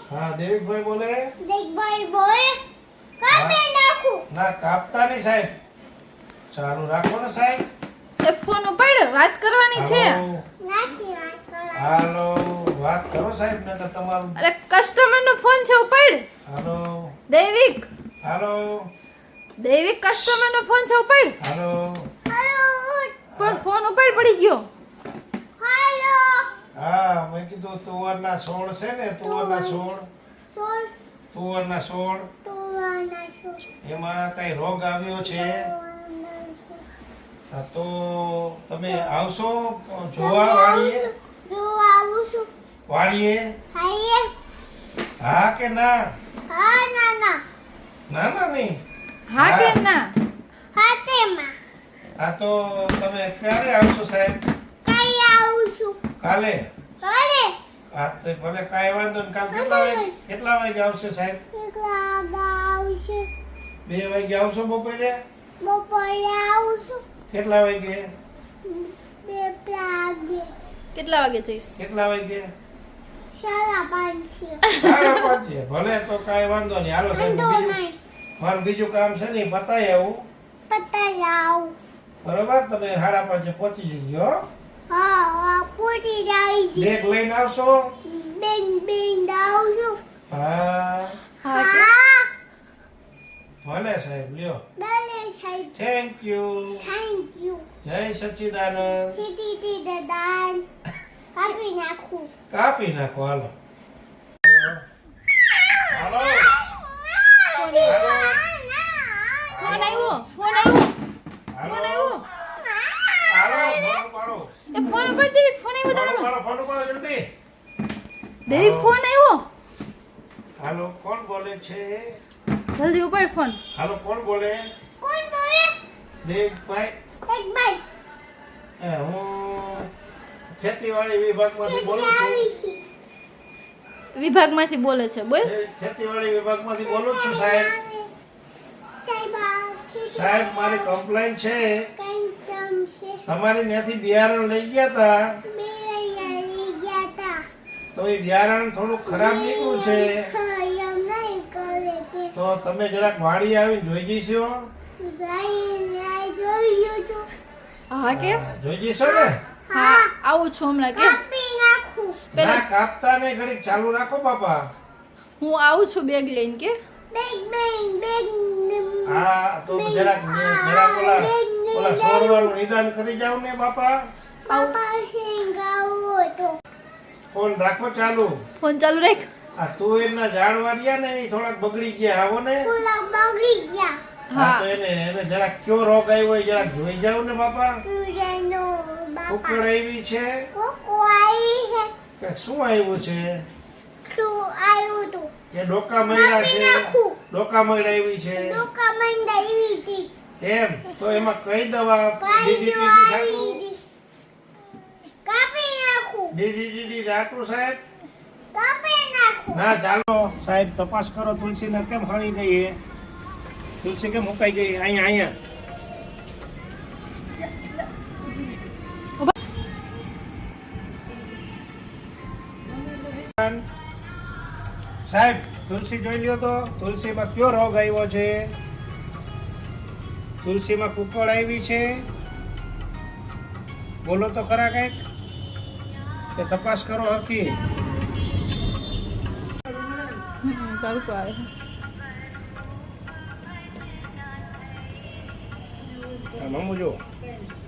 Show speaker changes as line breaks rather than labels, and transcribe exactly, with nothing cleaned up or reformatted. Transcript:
હા દેવિકભાઈ બોલે.
દેવિકભાઈ બોલે. કાપી નાખું.
ના કાપતા નહીં સાહેબ. ચાલુ રાખો ને સાહેબ.
એ ફોન ઉપાડ, વાત કરવાની છે.
નાખી વાત કરો.
હાલો વાત કરો સાહેબ ને તમારું.
અરે કસ્ટમર નો ફોન છે, ઉપાડ.
હાલો
દૈવિક,
હાલો
દૈવિક કસ્ટમર નો ફોન છે, ઉપાડ.
હાલો.
હાલો.
પણ ફોન ઉપાડ, પડી ગયો.
હાલો.
હા મેં કીધું તુવરના છોડ છે ને, તુવરના છોડ,
સોલ.
તુવરના છોડ
ટોવાના સોલ.
એમાં કઈ રોગ આવ્યો છે. હા, તો તમે આવશો જોવા વાળીએ?
જો આવું છું.
વાળીએ
હાઈએ.
હા કે ના?
હા ના ના.
ના ના નહીં.
હા કે ના?
હાથેમાં.
હા તો તમે ક્યારે આવશો સાહેબ?
કઈ આવું છું.
કાલે?
કરે.
હા તો ભલે કાંઈ વાંધો નહીં. કાલ કેટલા વાગે કેટલા વાગે આવશે સાહેબ?
એકલા આવશે.
બે વાગે આવશો બપોરે?
બપોરે આવું છું.
કેટલા વાગે?
બે વાગે.
કેટલા વાગે જઈશ?
કેટલા વાગે?
સાડા પાંચ છે.
સાડા પાંચે. ભલે તો કાંઈ વાંધો નહીં. હાલો સાહેબ,
વાંધો
બીજું
નહીં.
મારું બીજું કામ છે ને, પતાય આવું.
પતાઈ આવું.
બરોબર, તમે સાડા પાંચે પહોંચી જજો. હો?
હા હા પૂરી જાય છે.
બેગ લઈને આવશો?
બેન બેન આવું છું.
હા
હા કે?
હા.
ભલે સાહેબ, લ્યો.
ભલે સાહેબ.
Thank you.
Thank you.
જય સચ્ચિદાનંદ.
સીધી દાદાન કાપી નાખું.
કાપી નાખો. હાલો હાલો.
ફોન આવ્યો, ફોન આવ્યો,
હાલો
ફોન આવ્યો.
હાલો ફોન પાડો.
એ ફોન ઉપાડ, દૈવિક, ફોન આવ્યો
ફોન
તારામાં.
પાડો, ફોન પાડો જલ્દી.
દૈવિક, ફોન આવ્યો.
હાલો કોણ બોલે છે?
જલ્દી ઉપાડ ફોન.
હાલો કોણ બોલે?
કોણ બોલે?
દેવભાઈ.
એક ભાઈ.
એ હું ખેતીવાડી વિભાગમાંથી બોલું છું.
આવી છે.
વિભાગમાંથી બોલે છે, બોલ.
એ ખેતીવાડી વિભાગમાંથી બોલું છું સાહેબ.
સાહેબ આ ખેતી
સાહેબ મારી કમ્પ્લેન છે.
કઈ કામ છે.
તમારી ત્યાંથી બિયારણ લઈ ગયા હતા,
બે રહ્યા લઈ ગયા તા.
તો એ બિયારણ થોડું ખરાબ નીકળ્યું છે.
ખરાબ નહીં કરે તે.
તો તમે જરાક વાડી આવીને જોઈ જઈશો?
ગાઈ ગાઈ જોયું છું.
હા કે?
હા, જોઈ જઈશો ને?
હા, આવું છું હમણાં કે?
કાપી નાખું.
પેલા-
ના કાપતા નહીં, ઘડીક ચાલુ રાખો બાપા.
હું આવું છું બેગ લઈને કે?
બેગ બેગ બેગ
હા તો જરાક જરાક ઓલા ઓલા સોરવાનું નિદાન કરી જાવ ને બાપા.
પાપા સિંગાવો તો.
ફોન રાખો ચાલુ.
ફોન ચાલુ રાખ.
આ તુવેરના ઝાડવા રહ્યા ને એ થોડાક બગડી ગયા. આવો ને.
ફૂલા બગડી ગયા.
હા તો એને એને જરાક કયો રોગ આવ્યો એ જરાક જોઈ જાવ ને બાપા.
તુરેનો બાપા.
ઉકળ આવી છે
કોકો આવી છે.
કે શું આવ્યું છે?
શું આવ્યું તું?
એ ડોકા મયડા
કાપી
છે.
નાખું.
ડોકા મયડા આવી છે.
ડોકા મંડા આવી હતી.
એમ તો એમાં કઈ દવા?
પાઈ
ડીડીટી
જો આવી
છાંટું?
હતી. કાપી નાખું.
ડીડીટી છાંટું સાહેબ?
કાપી નાખું.
ના ચાલો સાહેબ તપાસ કરો. તુલસીને કેમ હળી ગઈ છે? તુલસી કેમ મુકાઈ ગઈ? અહીંયા અહીંયા સાહેબ તુલસી જોઈ લ્યો તો. તુલસીમાં કયો રોગ આવ્યો છે? તુલસીમાં કુકળ આવી છે? બોલો તો ખરા કઈક. કે તપાસ કરો હરખી.
હમ, તડકો આવે છે.
મમ્મુ જો